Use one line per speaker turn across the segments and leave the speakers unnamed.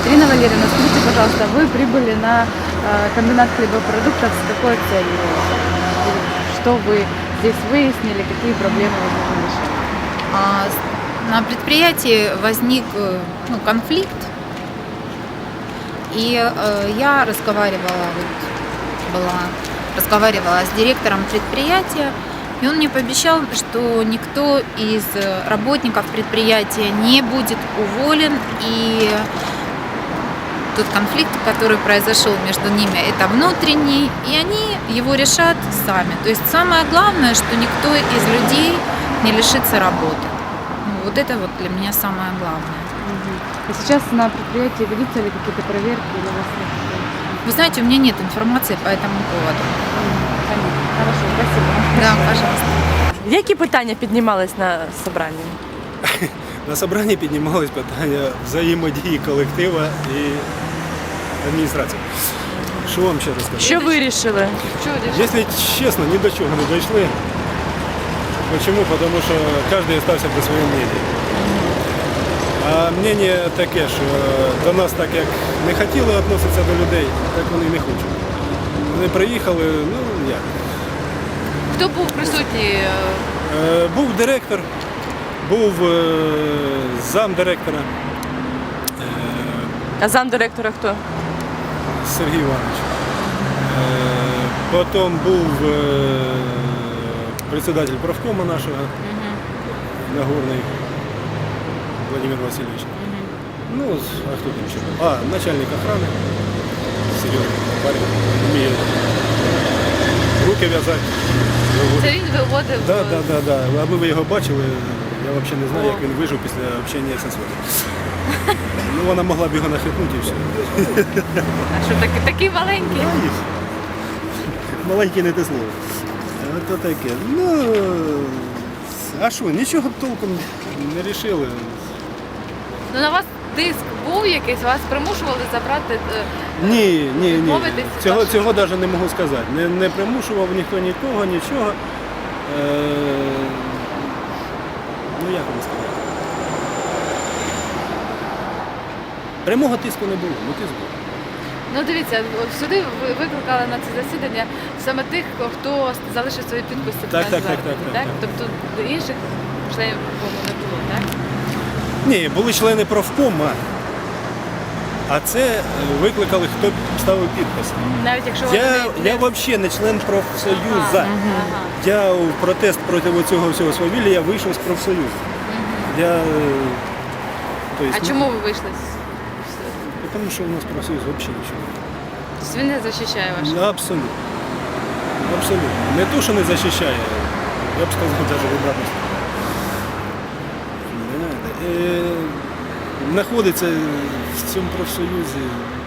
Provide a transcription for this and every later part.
Ирина Валерьевна, скажите, пожалуйста, вы прибыли на комбинат хлебопродуктов с какой целью? Что вы здесь выяснили, какие проблемы возможно решить?
На предприятии возник конфликт, и я разговаривала с директором предприятия, и он мне пообещал, что никто из работников предприятия не будет уволен, и тот конфликт, который произошел между ними, это внутренний, и они его решат сами. То есть самое главное, что никто из людей не лишится работы. Вот это вот для меня самое главное.
А сейчас на предприятии ведутся ли какие-то проверки или у вас нет?
Вы знаете, у меня нет информации по этому поводу.
Понятно. Хорошо, спасибо.
Да, пожалуйста.
Які питання піднімались на собранні?
На собранні піднімались питання взаємодії колектива і адміністрації. Що вам ще розказати?
Що вирішили?
Якщо чесно, ні до чого не дійшли. Чому? Тому що кожен залишився при своєму мненні. А мнення таке, що до нас так як не хотіли відноситися до людей, так вони і не хочуть. Вони приїхали, ну як.
Хто був присутній?
Був директор, був замдиректора
А замдиректора хто?
Сергій Іванович. Потім був председатель правкома нашого, Нагорний Владимир Васильович. Ну, а хто там ще був? Начальник охрани, серйозний парень, вміє руки в'язати.
Це він виводив?
Так. Аби ви його бачили, я взагалі не знаю, як він вижив після общення зі своїм. Ну, вона могла б його нахитнути і все.
А що такий маленький?
Маленький не те слово. Ото таке. Ну, а що, нічого толком не вирішили.
Ну на вас тиск був якийсь, вас примушували забрати?
Ні.
Відмовитись?
Цього навіть не можу сказати. Не примушував ніхто нікого, нічого. Ну як вам сказати? Прямого тиску не було, тиск був.
Ну дивіться, от сюди ви викликали на це засідання саме тих, хто залишив свої підписи під
Так.
зверненням, Тобто інших членів профкому не було, так?
Ні, були члени профкома, а це викликали, хто ставив підписи.
Навіть якщо вони
Я взагалі не член профсоюзу. Я в протест проти цього всього свавілля вийшов з профсоюзу.
А чому ви вийшли?
Тому що у нас профсоюз взагалі нічого.
Тобто він не захищає ваше?
Абсолютно. Не то, що не захищає, я б сказав, навіть в обратну сторону. Знаходиться в цьому профсоюзі.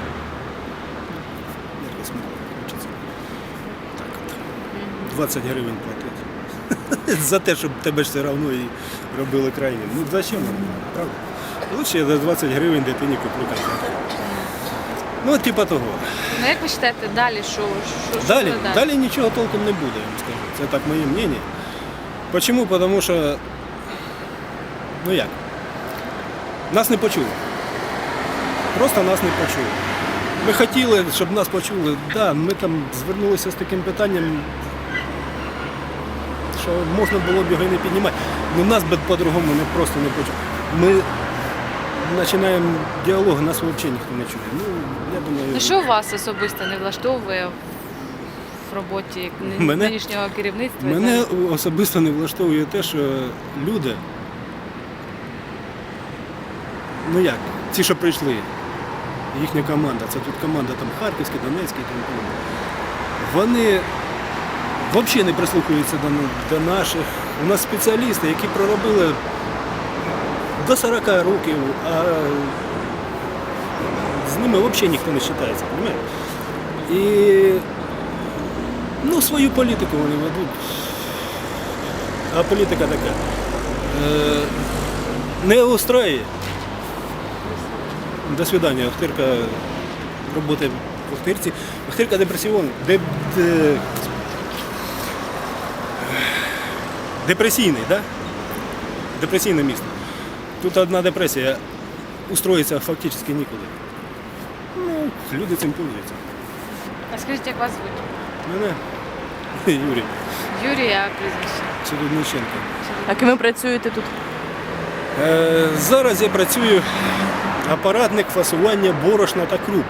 Якось мало хочеться. Так от. 20 гривень платити. За те, щоб тебе ж все одно і робили крайнім. Ну зачем нам, правда? Лучше я за 20 гривень дитині куплю конфетку. Ну, типа того.
Ну як ви вважаєте, далі що?
Далі нічого толком не буде, я вам скажу. Це так моє мнення. Чому? Тому що, ну як, нас не почули. Просто нас не почули. Ми хотіли, щоб нас почули. Да, ми там звернулися з таким питанням, що можна було б його і не піднімати. Ну нас би по-другому просто не почули. Ми починаємо діалог, нас взагалі ніхто не чує. Ну, я думаю...
Ну що вас особисто не влаштовує в роботі нинішнього керівництва?
Мене особисто не влаштовує те, що люди, ну як, ті, що прийшли, їхня команда, це тут команда там Харківська, Донецька і тому подібне, вони взагалі не прислухаються до наших. У нас спеціалісти, які проробили до 40 років, а з ними взагалі ніхто не вважається, розумієте? І ну, свою політику вони ведуть. А політика така. Не устраює. До свидання. Охтирка працює в Охтирці. Охтирка депресійний, да? Депресійне місто. Тут одна депресія. Устроїться фактично нікуди. Ну, люди цим пользуються.
А скажіть, як вас звуть?
Мене Юрій
Юрій, а прізвище?
Чередниченко.
А ким ви працюєте тут?
Зараз я працюю апаратник фасування борошна та круп.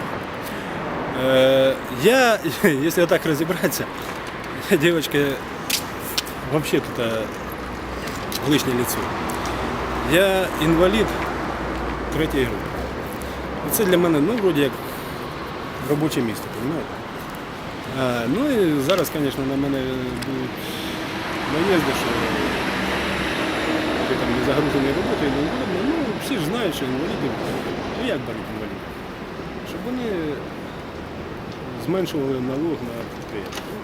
Я, якщо так розібратися, я, дівчинка, взагалі тут лишнє лицо. Я інвалід 3-ї групи. І це для мене, ну, вроді як робоче місце, розумієте? Ну і зараз, звісно, на мене будуть наїзди, що ти там не загружений роботою, не удобно. Ну, всі ж знають, що інвалідів, ну як беруть інвалідів? Щоб вони зменшували налог на підприємство.